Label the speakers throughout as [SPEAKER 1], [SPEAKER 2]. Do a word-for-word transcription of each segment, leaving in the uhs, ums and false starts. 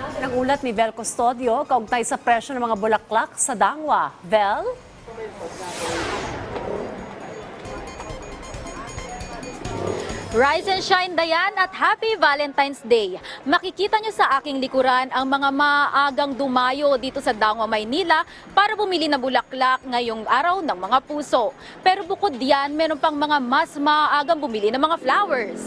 [SPEAKER 1] Ng ulat ni Vel Custodio, kaugnay sa presyo ng mga bulaklak sa Dangwa. Vel?
[SPEAKER 2] Rise and shine, Dayan, at happy Valentine's Day. Makikita nyo sa aking likuran ang mga maagang dumayo dito sa Dangwa, Maynila para bumili ng bulaklak ngayong araw ng mga puso. Pero bukod diyan, meron pang mga mas maagang bumili ng mga flowers.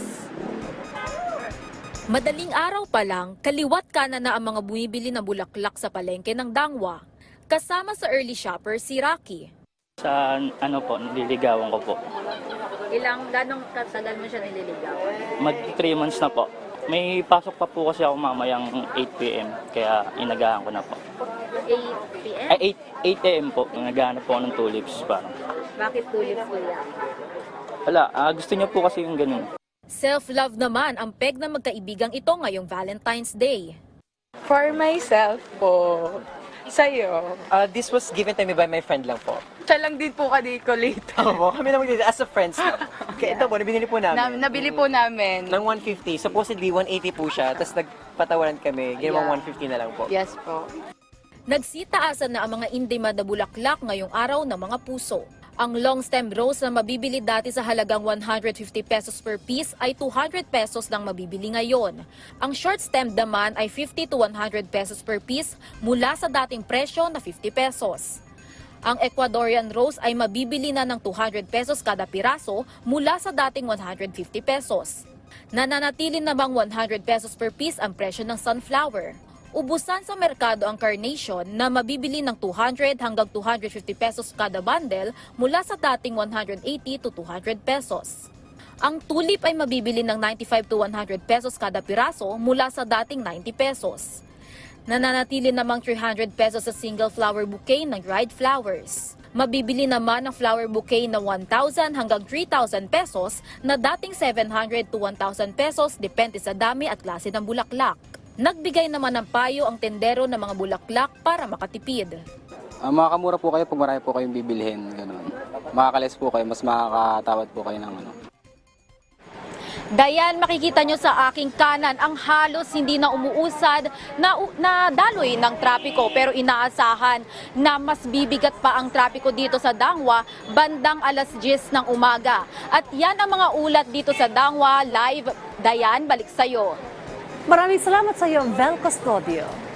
[SPEAKER 2] Madaling araw pa lang, kaliwat kanan na ang mga bumibili ng bulaklak sa palengke ng Dangwa. Kasama sa early shopper si Rocky.
[SPEAKER 3] Sa ano po, nililigawan ko po.
[SPEAKER 2] Ilang, ganong katagal mo siya nililigaw?
[SPEAKER 3] Mag three months na po. May pasok pa po kasi ako mamayang eight p m kaya inagahan ko na po.
[SPEAKER 2] eight p m?
[SPEAKER 3] Ay, eight a m po. Nagahanap po ako ng tulips parang.
[SPEAKER 2] Bakit tulips kuya?
[SPEAKER 3] Wala, ah, gusto niya po kasi yung ganun.
[SPEAKER 2] Self-love naman ang peg ng magkaibigang ito ngayong Valentine's Day.
[SPEAKER 4] For myself po. Sa'yo.
[SPEAKER 5] Uh, this was given to me by my friend lang po.
[SPEAKER 4] Siya lang din po kadikolit.
[SPEAKER 5] Opo, kami naman dito as a friends. Kaya ito po, nabinili po
[SPEAKER 4] Na,
[SPEAKER 5] namin.
[SPEAKER 4] nabili po namin.
[SPEAKER 5] Ng one fifty. Supposedly, one eighty po siya. Tapos nagpatawaran kami. Ginawang
[SPEAKER 4] Yeah.
[SPEAKER 5] one fifty na lang po.
[SPEAKER 4] Yes po.
[SPEAKER 2] Nagsitaasan na ang mga in-demand na bulaklak ngayong araw ng mga puso. Ang long stem rose na mabibili dati sa halagang one hundred fifty pesos per piece ay two hundred pesos lang mabibili ngayon. Ang short stem naman ay fifty to one hundred pesos per piece mula sa dating presyo na fifty pesos. Ang Ecuadorian rose ay mabibili na ng two hundred pesos kada piraso mula sa dating one hundred fifty pesos. Nananatili namang one hundred pesos per piece ang presyo ng sunflower. Ubusan sa merkado ang carnation na mabibili ng two hundred hanggang two hundred fifty pesos kada bundle mula sa dating one hundred eighty to two hundred pesos. Ang tulip ay mabibili ng ninety-five to one hundred pesos kada piraso mula sa dating ninety pesos. Nananatili namang three hundred pesos sa single flower bouquet ng dried flowers. Mabibili naman ang flower bouquet na one thousand hanggang three thousand pesos na dating seven hundred to one thousand pesos depende sa dami at klase ng bulaklak. Nagbigay naman ng payo ang tendero ng mga bulaklak para makatipid.
[SPEAKER 6] Uh, makakamura po kayo pag marami po kayong bibilhin. Ganun. Makakalis po kayo, mas makakatawad po kayo ng ano.
[SPEAKER 2] Dayan, makikita nyo sa aking kanan ang halos hindi na umuusad na, na daloy ng trapiko, pero inaasahan na mas bibigat pa ang trapiko dito sa Dangwa bandang alas diyes ng umaga. At yan ang mga ulat dito sa Dangwa Live. Dayan, balik sa'yo.
[SPEAKER 1] Maraming salamat sa iyo, Vel Custodio.